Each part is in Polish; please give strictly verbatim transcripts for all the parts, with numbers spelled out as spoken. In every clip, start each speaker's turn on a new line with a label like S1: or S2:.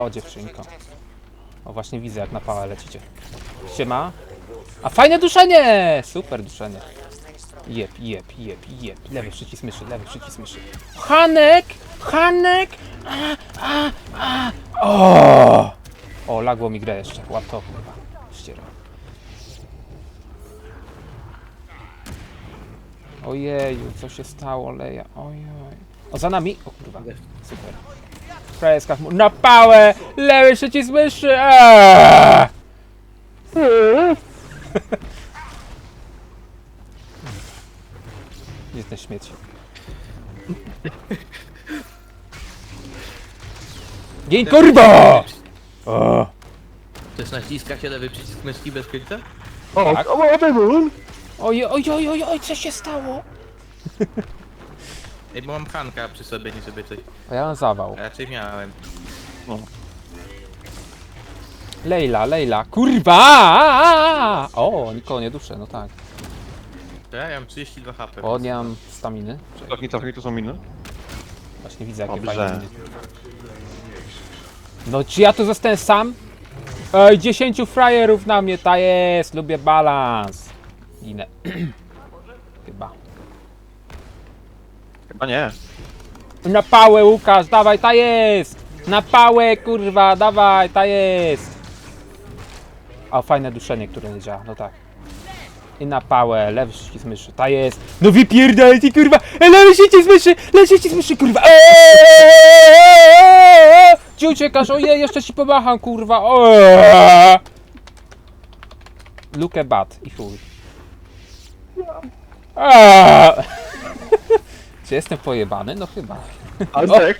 S1: O, dziewczynko. O, właśnie widzę, jak na pałę lecicie. Siema. A fajne duszenie! Super duszenie. Jep, jep, jep, jep. Lewy przycisk myszy, lewy przycisk myszy. Hanek! Hanek! A, a, a. O! O, lagło mi grę jeszcze. Łap to, kurwa. Ściera. Ojeju, co się stało, Leja? Ojoj. O, za nami? O kurwa. Super. Freska na pałę! Lewy przycisk myszy! Aaaa! Gdzie ten śmieć? Gień, kurwa! O!
S2: To jest naciska się lewy przycisk myszki bez krycia?
S3: O,
S1: Tak.
S3: o, o, o,
S1: Oj, oj, oj, oj, oj, co się stało?
S2: Ej, bo mam Hanka przy sobie, nie żeby coś.
S1: A ja mam zawał.
S2: Raczej miałem.
S3: o.
S1: Lejla, Lejla, kurwa! O, nikogo nie duszę, no tak.
S2: To ja mam trzydzieści dwa H P.
S1: O, nie mam staminy. Czekaj,
S3: Cofnij, cofnij, to są miny.
S1: właśnie widzę, jakie
S3: Dobrze.
S1: fajne miny. No, czy ja tu zostałem sam? Ej, dziesięciu frajerów na mnie, ta jest, lubię balans. Ginę. Chyba.
S3: Chyba nie.
S1: Na pałę, Łukasz, dawaj, ta jest! Na pałę, kurwa, dawaj, ta jest! O, fajne duszenie, które nie działa, no tak. I na pałę, lewy przycisk myszy, ta jest! No wypierdalaj ty, kurwa! E, lewy przycisk myszy! Lewy przycisk myszy, kurwa! Eee! Gdzie uciekasz? Ojej, jeszcze ci pomacham, kurwa! Eee! Luke bat i chuj. Eee! Czy jestem pojebany? No chyba.
S3: Antek!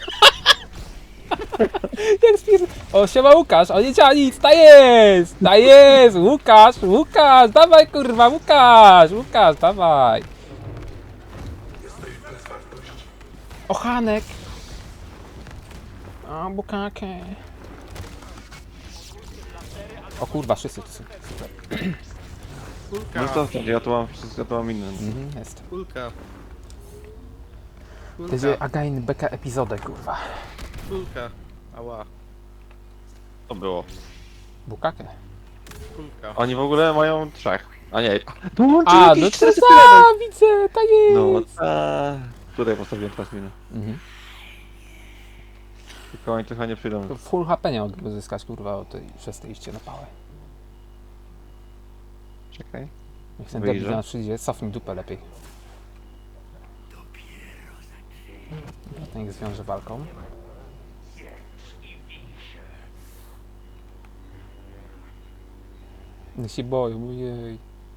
S1: Jak spier... O, siema Łukasz, o nie działa nic, ta jest! Ta jest! Łukasz, Łukasz, dawaj kurwa, Łukasz! Łukasz, dawaj! O, Hanek! O, bukakę! O kurwa, wszyscy tu są, super.
S3: No
S2: Kulka,
S3: to, ja tu mam, ja tu mam inne.
S1: Mhm, jest.
S2: kulka.
S1: To jest
S2: Kulka,
S1: again beka epizodę, kurwa.
S2: kulka. Ała,
S3: To było.
S1: Bukakę.
S2: kulka.
S3: Oni w ogóle mają trzech. A nie.
S1: A, no to za, widzę, ta
S3: No,
S1: jest!
S3: ta... Tutaj postawiłem teraz minę.
S1: Mhm.
S3: Tylko oni trochę nie przyjdą.
S1: To full H P nie mogę uzyskać, kurwa, o tej, przez te iście na pałę.
S3: Czekaj.
S1: Niech ten
S3: Wyjrzę.
S1: debil na przyjdzie, cofnij dupę lepiej. Niech zwiąże walką. Nie się boją, ojej.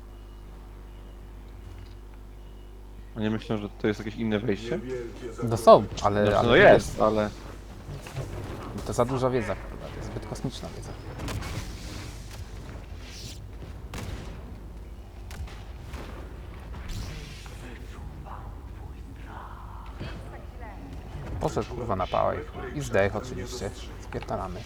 S3: Oni myślą, że to jest jakieś inne wejście?
S1: No są, ale...
S3: Znaczy,
S1: ale
S3: no jest, ale...
S1: To za duża wiedza, kurwa, to jest zbyt kosmiczna wiedza. Poszedł kurwa na pałę i zdech oczywiście. Spierdalamy.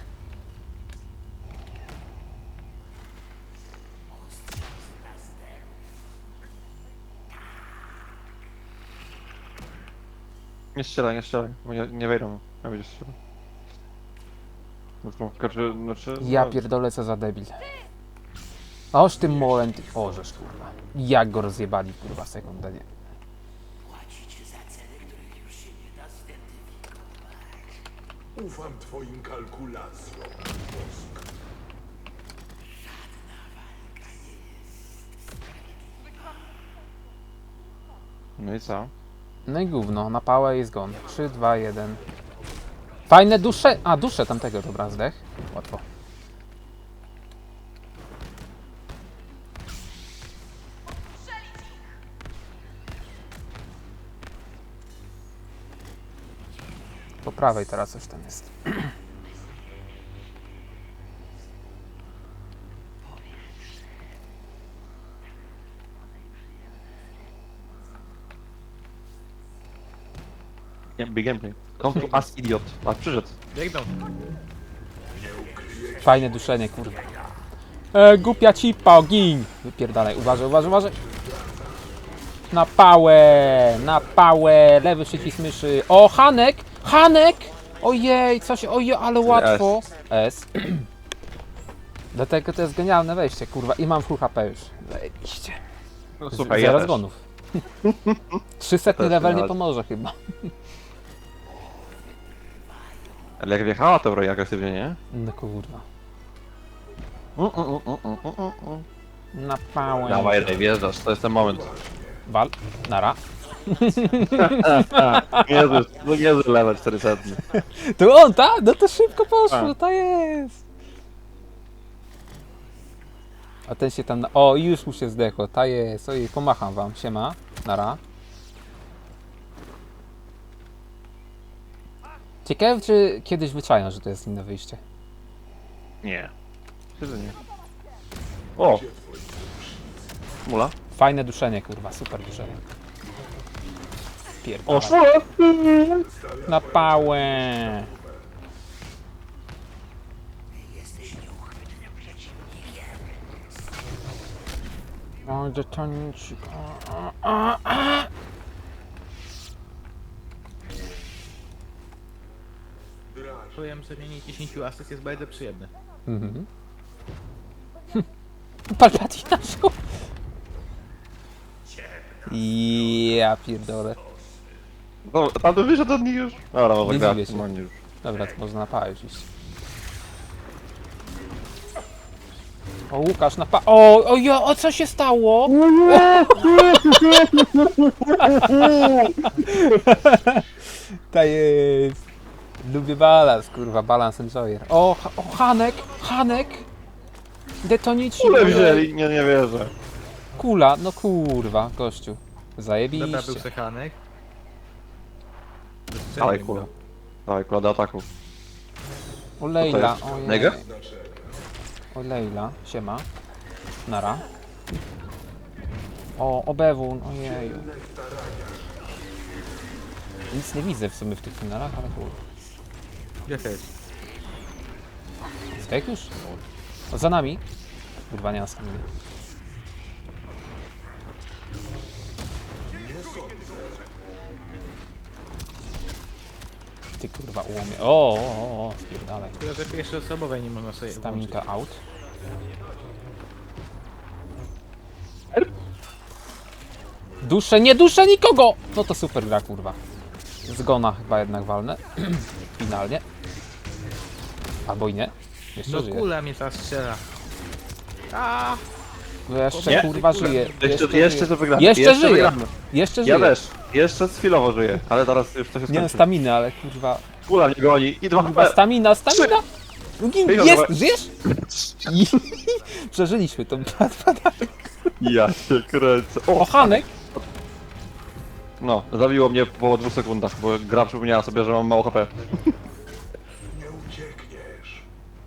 S3: Nie strzelaj, nie strzelaj, bo nie, nie wejdą. Ja będzie strzelał. Znaczy, znaczy, znaczy...
S1: Ja
S3: no,
S1: pierdolę, co za debil. Oż tym molem, ty... O, żeż kurwa. Jak go rozjebali, kurwa, sekundę, nie.
S4: Ufam twoim kalkulacjom.
S3: No i co?
S1: No i gówno, na pałę i zgon. trzy, dwa, jeden. Fajne dusze. A, dusze tamtego, dobra, zdech. Łatwo. Po prawej teraz coś tam jest.
S3: Nie, big gameplay. Come to us, idiot. A, przyszedł.
S2: Biegną.
S1: Fajne duszenie, kurwa. E, głupia cipa, gin! Wypierdalaj, uważaj, uważaj, uważaj. Na pałę, na pałę, lewy przycisk myszy. O, Hanek, Hanek! Ojej, coś, ojej, ale łatwo. S. Dlatego to jest genialne wejście, kurwa. I mam full H P już. Zajebiście.
S3: No
S1: Z-
S3: słuchaj,
S1: Zero
S3: ja też.
S1: zgonów. trzysetny
S3: też
S1: level nie
S3: nie
S1: pomoże chyba.
S3: Ale jak wjechała to broń agresywnie, nie?
S1: No kurwa.
S3: Mm, mm, mm, mm, mm, mm, mm.
S1: Na pałę.
S3: Dawaj, Rej, wjeżdżasz, to jest ten moment.
S1: Wal. Nara.
S3: Jezus, no niezły level czterysta.
S1: To on, ta? No to szybko poszło,
S3: A.
S1: to jest. A ten się tam... Na... O, i już mu się zdechło, ta jest. Ojej, pomacham wam. Siema. Nara. Ciekawe, czy kiedyś wyczają, że to jest inne wyjście.
S3: Nie. Myślę, że nie. O! Mula?
S1: Fajne duszenie, kurwa, super duszenie.
S3: O,
S1: Pierdolę.
S3: szło!
S1: Na pałę. O, detonicik. A, a, a.
S2: Czuję, że mienie dziesięć asyst jest bardzo przyjemne.
S1: Mhm. Palpatina szło. Ja pierdolę.
S3: No, tam to wyszedł od nich już. Dobra, może
S1: Nie
S3: gra.
S1: dziwię się.
S3: No, już.
S1: Dobra, to można na pałę już iść. O, Łukasz na pa... O, o, jo, o co się stało? Ta jest. Lubię balans, kurwa, balans enjoyer. O, ha- o Hanek, Hanek. Detonici.
S3: Kule wzięli, nie, nie wierzę.
S1: Kula, no kurwa, gościu.
S2: Dobra, był
S1: Zajebiście.
S2: sechanek.
S3: Dawaj kula. Dawaj kula do ataku.
S1: O Lejla,
S3: jest?
S1: ojej.
S3: Nega?
S1: O Lejla, siema. Nara. O, Obewun, ojeju. Nic nie widzę w sumie w tych tunelach, ale kurwa.
S2: Ja też.
S1: Skajk już? O, za nami. Kurwa, nie ma staminy. Ty kurwa ułomie. O, o, o, o, spierdalaj.
S2: Tyle, że pierwsze osobowej nie można sobie włączyć.
S1: Staminka out. Duszę, nie duszę nikogo! No to super gra, kurwa. Zgona chyba jednak walnę. Finalnie. Albo i nie. Jeszcze
S2: No
S1: żyje.
S2: kula mnie zastrzela. A,
S1: Jeszcze
S3: Nie?
S1: kurwa żyje.
S3: Jeszcze,
S1: żyje.
S3: jeszcze to wygramy.
S1: Jeszcze żyje.
S3: wygramy.
S1: Jeszcze żyje.
S3: Ja też. Jeszcze chwilowo żyję, ale teraz już to się
S1: Nie mam
S3: skończy.
S1: staminy, ale kurwa.
S3: Kula mnie goni i dwa
S1: Kurwa,
S3: H P.
S1: stamina, stamina! Gin,
S3: Wyjął,
S1: jest,
S3: dobra.
S1: żyjesz? I... Przeżyliśmy to.
S3: Ja się kręcę.
S1: O,
S3: O,
S1: Hanek!
S3: no, zabiło mnie po dwóch sekundach, bo gra przypomniała sobie, że mam mało H P.
S4: Nie uciekniesz.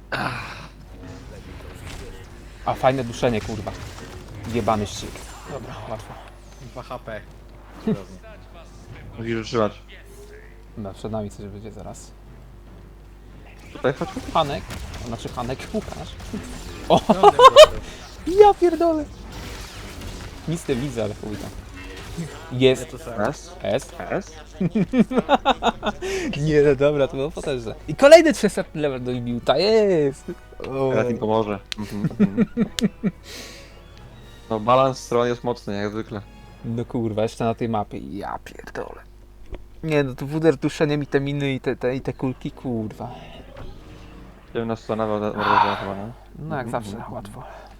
S1: A fajne duszenie, kurwa. Jebany ścig. Dobra, łatwo.
S2: dwa H P. Cudownie.
S3: Musisz wytrzymać.
S1: Dobra, przed nami coś będzie zaraz.
S3: Tutaj chodź.
S1: Hanek, to znaczy Hanek Łukasz.
S2: No, ten gościu.
S1: Ja pierdolę. Nic nie widzę, ale chuj tam.
S2: Ja
S1: Jest.
S2: to samo.
S3: S.
S1: S.
S3: S.
S1: Nie, no dobra, to było potężne. I kolejny trzysta level do Ibiuta, jest! O.
S3: Teraz im pomoże. Mhm, mhm. No balans stron jest mocny, jak zwykle.
S1: No kurwa, jeszcze na tej mapie, ja pierdolę. Nie no, to wuder duszeniem i te miny i te, te, i te kulki, kurwa.
S3: Ciemna strona, bardzo chyba, nie?
S1: No jak zawsze, łatwo.